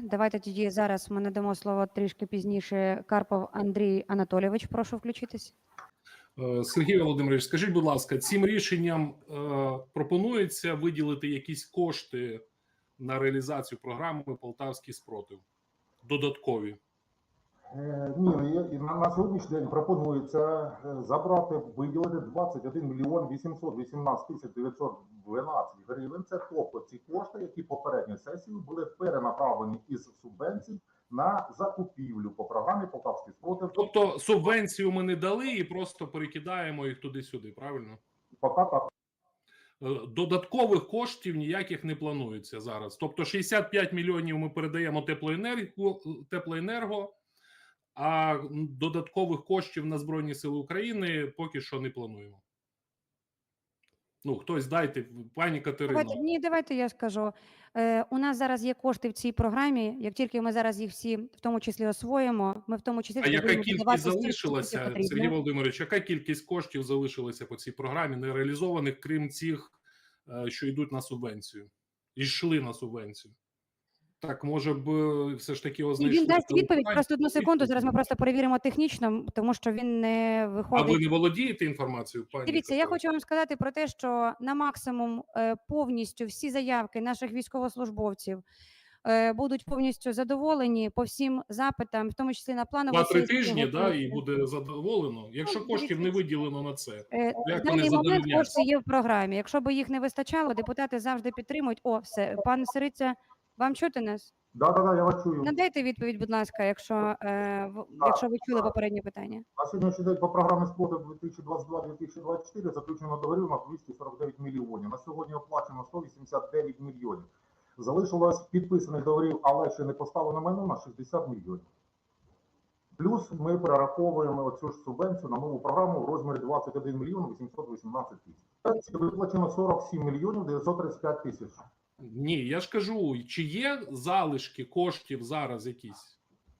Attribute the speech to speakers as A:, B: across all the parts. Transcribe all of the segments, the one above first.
A: Давайте тоді зараз ми надамо слово трішки пізніше. Карпов Андрій Анатолійович, прошу включитись.
B: Сергій Володимирович, скажіть, будь ласка, цим рішенням пропонується виділити якісь кошти на реалізацію програми «Полтавський спротив»? Додаткові?
C: Ні, на сьогоднішній день пропонується забрати, виділити 21 мільйон 818 тисяч 912 гривень. Це тобто ці кошти, які попередньою сесією були перенаправлені із субвенцій на закупівлю по програмі «Полтавський спротив».
B: Тобто субвенцію ми не дали і просто перекидаємо їх туди-сюди, правильно?
C: Поки так.
B: Додаткових коштів ніяких не планується зараз. Тобто 65 мільйонів ми передаємо теплоенерго, а додаткових коштів на Збройні Сили України поки що не плануємо. Ну, хтось дайте, пані Катерино.
A: Давайте я скажу. У нас зараз є кошти в цій програмі. Як тільки ми зараз їх всі, в тому числі, освоїмо, ми в тому числі...
B: А яка кількість залишилася, Сергій Володимирович, яка кількість коштів залишилася по цій програмі, не реалізованих, крім цих, що йдуть на субвенцію? І йшли на субвенцію. Так, може б, все ж таки
A: Він дасть відповідь, просто одну секунду, зараз ми просто перевіримо технічно, тому що він не виходить...
B: А ви не володієте інформацією, пані?
A: Дивіться, я хочу вам сказати про те, що на максимум повністю всі заявки наших військовослужбовців будуть повністю задоволені по всім запитам, в тому числі на планову...
B: 2-3 тижні, да, і буде задоволено. Якщо коштів не виділено на це,
A: в даний момент кошти є в програмі. Якщо б їх не вистачало, депутати завжди підтримують. О, все, пан Сириця, вам чути нас?
C: Да, я вас чую.
A: Надайте відповідь, будь ласка, якщо ви чули попереднє питання.
C: На сьогоднішній день по програмі «Спротив» 2022-2024 заключено договорів на 249 мільйонів. На сьогодні оплачено 189 мільйонів. Залишилось підписаних договорів, але ще не поставлено майно на 60 мільйонів. Плюс ми перераховуємо оцю ж субвенцію на нову програму в розмірі 21 мільйон 818 тисяч. Виплачено 47 мільйонів 935 тисяч.
B: Ні, я ж кажу, чи є залишки коштів зараз якісь?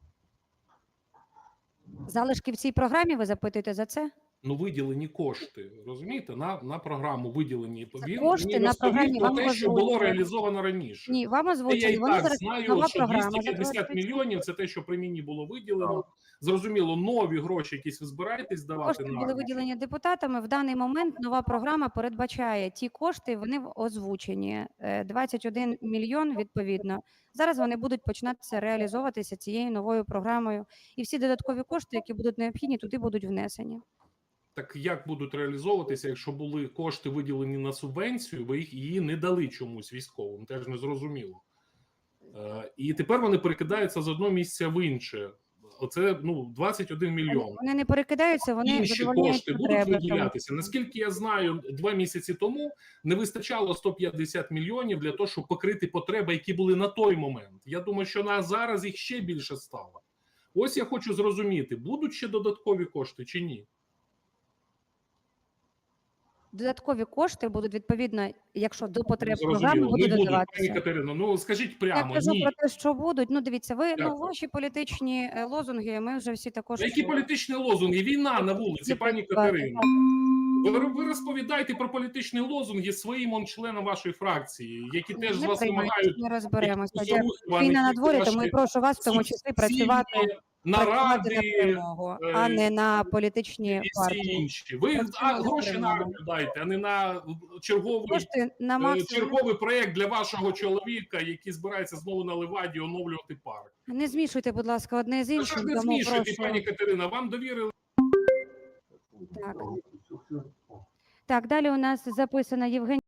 A: Залишки в цій програмі, ви запитуєте за це?
B: Ну, виділені кошти, розумієте, на програму виділені.
A: Кошти на програмі
B: вам те, що було реалізовано раніше.
A: Ні, вам озвучили.
B: Я і
A: Вони
B: так
A: зараз
B: знаю,
A: нова
B: що
A: програма.
B: 250 мільйонів – це те, що при мені було виділено. Зрозуміло, нові гроші якісь ви збираєтесь давати?
A: Кошти були виділені депутатами. В даний момент нова програма передбачає ті кошти, вони озвучені. 21 мільйон, відповідно. Зараз вони будуть починатися реалізовуватися цією новою програмою. І всі додаткові кошти, які будуть необхідні, туди будуть внесені.
B: Так як будуть реалізовуватися, якщо були кошти виділені на субвенцію, ви її не дали чомусь військовим, теж не зрозуміло. І тепер вони перекидаються з одного місця в інше. Оце 21 мільйон.
A: Вони не перекидаються, вони
B: інші кошти будуть виділятися. Наскільки я знаю, 2 місяці тому не вистачало 150 мільйонів для того, щоб покрити потреби, які були на той момент. Я думаю, що на зараз їх ще більше стало. Ось я хочу зрозуміти, будуть ще додаткові кошти чи ні?
A: Додаткові кошти будуть, відповідно, якщо до потреб
B: Зрозуміло.
A: програми будуть додаватися.
B: Пані Катерино, ну скажіть прямо,
A: я кажу
B: ні.
A: про те, що будуть. Ну, дивіться, ваші політичні лозунги, ми вже всі також...
B: Які політичні лозунги? Війна на вулиці, пані Катерино. Ви розповідаєте про політичні лозунги своїм членам вашої фракції, які теж з вас вимагають...
A: Не розберемося. Війна на дворі, тому і прошу вас в тому числі працювати...
B: наради,
A: на перемогу, а не на політичні партії.
B: Інші. Ви гроші на армію дайте, а не на черговий проєкт для вашого чоловіка, який збирається знову на Леваді оновлювати парк.
A: Не змішуйте, будь ласка, одне з іншим.
B: Не змішуйте, пані Катерина, вам довірили.
A: Так, далі у нас записана Євгенія.